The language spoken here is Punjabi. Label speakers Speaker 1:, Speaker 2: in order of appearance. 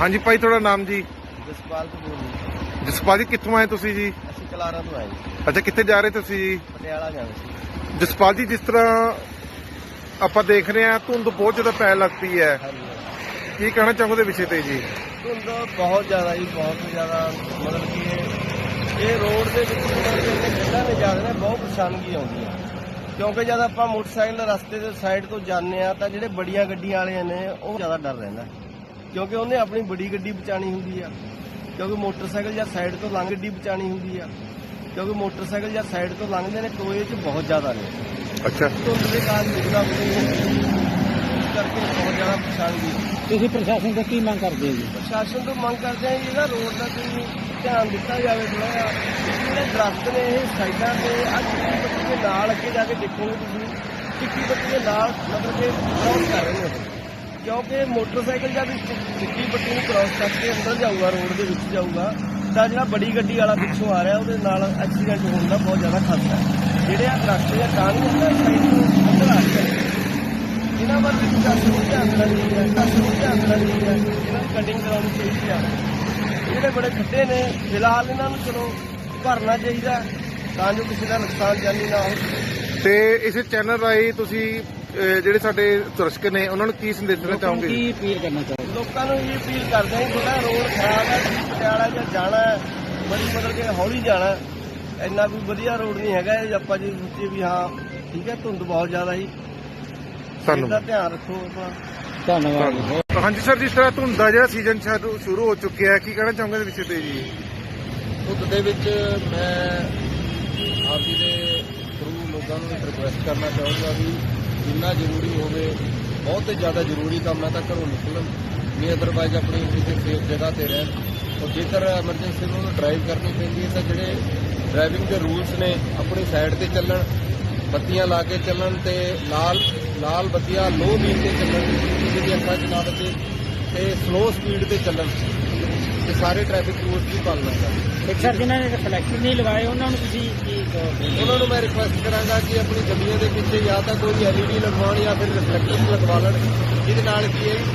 Speaker 1: ਹਾਂਜੀ ਭਾਈ, ਤੁਹਾਡਾ ਨਾਮ ਜੀ?
Speaker 2: ਜਸਪਾਲ ਕਪੂਰ ਜੀ।
Speaker 1: ਜਸਪਾਲ ਜੀ, ਕਿੱਥੋਂ ਆਏ ਤੁਸੀਂ ਜੀ?
Speaker 2: ਅਸੀਂ ਕਲਾਰਾਂ ਤੋਂ ਆਏ ਜੀ।
Speaker 1: ਅੱਛਾ, ਕਿੱਥੇ ਜਾ ਰਹੇ ਤੁਸੀਂ ਜੀ?
Speaker 2: ਪਟਿਆਲਾ ਜਾਣਾ ਸੀ।
Speaker 1: ਜਸਪਾਲ ਜੀ, ਜਿਸ ਤਰ੍ਹਾਂ ਆਪਾਂ ਦੇਖ ਰਹੇ ਹਾਂ ਧੁੰਦ ਬਹੁਤ ਜ਼ਿਆਦਾ ਪੈਣ ਲੱਗ ਪਈ ਹੈ,
Speaker 2: ਹਾਂਜੀ,
Speaker 1: ਕੀ ਕਹਿਣਾ ਚਾਹੋਗੇ ਵਿਸ਼ੇ ਤੇ ਜੀ?
Speaker 2: ਧੁੰਦ ਬਹੁਤ ਜ਼ਿਆਦਾ ਜੀ, ਬਹੁਤ ਜ਼ਿਆਦਾ। ਮਤਲਬ ਕਿ ਇਹ ਰੋਡ ਦੇ ਵਿੱਚ ਗੱਲਾਂ ਨੇ ਜਾ ਰਹੇ ਨੇ, ਬਹੁਤ ਪਰੇਸ਼ਾਨੀ ਆਉਂਦੀ ਹੈ। ਕਿਉਂਕਿ ਜਦ ਆਪਾਂ ਮੋਟਰਸਾਈਕਲ ਰਸਤੇ ਦੇ ਸਾਈਡ ਤੋਂ ਜਾਂਦੇ ਆ ਤਾਂ ਜਿਹੜੇ ਬੜੀਆਂ ਗੱਡੀਆਂ ਵਾਲੇ ਨੇ ਉਹ ਜ਼ਿਆਦਾ ਡਰ ਰਹਿੰਦਾ, ਕਿਉਂਕਿ ਉਹਨੇ ਆਪਣੀ ਬੜੀ ਗੱਡੀ ਬਚਾਣੀ ਹੁੰਦੀ ਆ। ਕਿਉਂਕਿ ਮੋਟਰਸਾਈਕਲ ਜਾਂ ਸਾਈਡ ਤੋਂ ਲੰਘ ਗੱਡੀ ਬਚਾਣੀ ਹੁੰਦੀ ਆ, ਕਿਉਂਕਿ ਮੋਟਰਸਾਈਕਲ ਜਾਂ ਸਾਈਡ ਤੋਂ ਲੰਘਦੇ ਨੇ ਟੋਏ 'ਚ ਬਹੁਤ ਜ਼ਿਆਦਾ ਨੇ।
Speaker 1: ਅੱਛਾ,
Speaker 2: ਧੁੰਦ ਦੇ ਕਾਰਨ ਨਿਕਲਦਾ ਕਰਕੇ ਬਹੁਤ ਜ਼ਿਆਦਾ ਪਰੇਸ਼ਾਨੀ।
Speaker 3: ਤੁਸੀਂ ਪ੍ਰਸ਼ਾਸਨ ਤੋਂ ਕੀ ਮੰਗ ਕਰਦੇ ਹੋ ਜੀ?
Speaker 2: ਪ੍ਰਸ਼ਾਸਨ ਤੋਂ ਮੰਗ ਕਰਦੇ ਆ ਜੀ, ਇਹਦਾ ਰੋਡ ਦਾ ਕੋਈ ਧਿਆਨ ਦਿੱਤਾ ਜਾਵੇ ਥੋੜਾ ਜਿਹਾ। ਜਿਹੜੇ ਦਰਖਤ ਨੇ ਇਹ ਸਾਈਡਾਂ ਤੇ ਆ ਚਿੱਟੀ ਬੱਤੀ ਦੇ ਨਾਲ ਅੱਗੇ ਜਾ ਕੇ ਦੇਖੋਗੇ ਤੁਸੀਂ, ਚਿੱਟੀ ਬੱਤੀ ਦੇ ਨਾਲ ਮਤਲਬ ਕਿ ਕ੍ਰਾਸ ਕਰ ਰਹੇ ਨੇ। ਕਿਉਂਕਿ ਮੋਟਰਸਾਈਕਲ ਜਦ ਚਿੱਟੀ ਬੱਤੀ ਨੂੰ ਕ੍ਰਾਸ ਕਰਕੇ ਅੰਦਰ ਜਾਊਗਾ, ਰੋਡ ਦੇ ਵਿੱਚ ਜਾਊਗਾ, ਤਾਂ ਜਿਹੜਾ ਬੜੀ ਗੱਡੀ ਵਾਲਾ ਪਿੱਛੋਂ ਆ ਰਿਹਾ ਉਹਦੇ ਨਾਲ ਐਕਸੀਡੈਂਟ ਹੋਣ ਦਾ ਬਹੁਤ ਜ਼ਿਆਦਾ ਖਤਰਾ ਹੈ। ਜਿਹੜੇ ਆ ਦਰਖਤ ਜਾਂ ਟਾਹਣੀ ਹੁੰਦਾ ਸਾਈਡ ਤੋਂ ਅੰਦਰ ਆ ਰਹੇ ਇਹਨਾਂ ਵੱਲ ਵੀ ਪ੍ਰਸ਼ਾਸਨ ਨੂੰ ਧਿਆਨ ਦੇਣਾ ਚਾਹੀਦਾ ਹੈ, ਪ੍ਰਸ਼ਾਸਨ ਨੂੰ ਧਿਆਨ ਦੇਣਾ ਚਾਹੀਦਾ ਹੈ। ਇਹਨਾਂ ਨੂੰ ਕਟਿੰਗ ਕਰਾਉਣੀ ਚਾਹੀਦੀ ਆ। ਜਿਹੜੇ ਬੜੇ ਖੱਡੇ ਨੇ ਫਿਲਹਾਲ ਇਹਨਾਂ ਨੂੰ ਚਲੋ ਭਰਨਾ ਚਾਹੀਦਾ ਤਾਂ ਜੋ ਕਿਸੇ ਦਾ ਨੁਕਸਾਨ ਜਾਨੀ ਨਾ ਹੋਵੇ।
Speaker 1: ਤੇ ਇਸੇ ਚੈਨਲ ਰਾਹੀਂ ਤੁਸੀਂ ਜਿਹੜੇ ਸਾਡੇ ਦਰਸ਼ਕ ਨੇ ਉਹਨਾਂ ਨੂੰ ਕੀ ਸੰਦੇਸ਼ ਦੇਣਾ ਚਾਹੋਗੇ?
Speaker 3: ਕੀ ਅਪੀਲ ਕਰਨਾ ਚਾਹੋਗੇ?
Speaker 2: ਲੋਕਾਂ ਨੂੰ ਇਹ ਅਪੀਲ ਕਰਦੇ ਹਾਂ, ਥੋੜਾ ਰੋਡ ਖਰਾਬ ਹੈ, ਤੁਸੀਂ ਪਟਿਆਲਾ ਜਾਂ ਜਾਣਾ ਹੈ ਬੜੀ ਮਤਲਬ ਕਿ ਹੌਲੀ ਜਾਣਾ, ਇੰਨਾ ਕੋਈ ਵਧੀਆ ਰੋਡ ਨਹੀਂ ਹੈਗਾ। ਇਹ ਆਪਾਂ ਜੇ ਸੋਚੀਏ ਵੀ ਹਾਂ ਠੀਕ ਹੈ, ਧੁੰਦ ਬਹੁਤ ਜ਼ਿਆਦਾ ਹੀ, ਇਹਦਾ ਧਿਆਨ ਰੱਖੋ ਆਪਣਾ।
Speaker 3: ਧੰਨਵਾਦ ਜੀ।
Speaker 1: ਹਾਂਜੀ ਸਰ, ਜਿਸ ਤਰ੍ਹਾਂ ਧੁੰਦ ਦਾ ਜਿਹੜਾ ਸੀਜ਼ਨ ਸ਼ੁਰੂ ਹੋ ਚੁੱਕਿਆ ਹੈ, ਕੀ ਕਹਿਣਾ ਚਾਹੋਗੇ ਇਸ ਵਿਸ਼ੇ ਤੇ ਜੀ?
Speaker 4: ਧੁੰਦ ਦੇ ਵਿੱਚ ਮੈਂ ਆਪ ਜੀ ਦੇ ਥਰੂ ਲੋਕਾਂ ਨੂੰ ਰਿਕੁਐਸਟ ਕਰਨਾ ਚਾਹੂੰਗਾ ਵੀ ਜਿੰਨਾ ਜ਼ਰੂਰੀ ਹੋਵੇ, ਬਹੁਤ ਹੀ ਜ਼ਿਆਦਾ ਜ਼ਰੂਰੀ ਕੰਮ ਹੈ ਤਾਂ ਘਰੋਂ ਨਿਕਲਣ, ਨਹੀਂ ਅਦਰਵਾਈਜ਼ ਆਪਣੀ ਕਿਸੇ ਸੇਫ ਜਗ੍ਹਾ ਤੇ ਰਹਿਣ। ਔਰ ਜੇਕਰ ਐਮਰਜੈਂਸੀ ਨੂੰ ਡਰਾਈਵ ਕਰਨੀ ਪੈਂਦੀ ਹੈ ਤਾਂ ਜਿਹੜੇ ਡਰਾਈਵਿੰਗ ਦੇ ਰੂਲਸ ਨੇ ਆਪਣੀ ਸਾਈਡ ਤੇ ਚੱਲਣ, ਬੱਤੀਆਂ ਲਾ ਕੇ ਚੱਲਣ ਤੇ ਲਾਲ ਬੱਤੀਆਂ ਲੋ ਬੀਮ ਤੇ ਚੱਲਣ, ਕਿਸੇ ਦੀ ਅੱਖਾਂ 'ਚ ਨਾ ਵੱਜੇ, ਤੇ ਸਲੋ ਸਪੀਡ ਤੇ ਚੱਲਣ। ਤੇ ਸਾਰੇ ਟ੍ਰੈਫਿਕ ਰੂਲਸ ਦੀ ਪਾਲਣਾ ਕਰਨ।
Speaker 3: ਇੱਕ ਸਰ, ਜਿਨ੍ਹਾਂ ਨੇ ਰਿਫਲੈਕਟਰ ਨਹੀਂ ਲਗਾਏ ਉਹਨਾਂ ਨੂੰ ਤੁਸੀਂ ਕੀ ਕਹੋਗੇ?
Speaker 4: ਉਹਨਾਂ ਨੂੰ ਮੈਂ ਰਿਕੁਐਸਟ ਕਰਾਂਗਾ ਕਿ ਆਪਣੀ ਗੱਡੀਆਂ ਦੇ ਪਿੱਛੇ ਜਾਂ ਤਾਂ ਕੋਈ LED ਲਗਵਾਉਣ ਜਾਂ ਫਿਰ ਰਿਫਲੈਕਟਰ ਲਗਵਾ ਲੈਣ, ਜਿਹਦੇ ਨਾਲ ਕੀ ਹੈ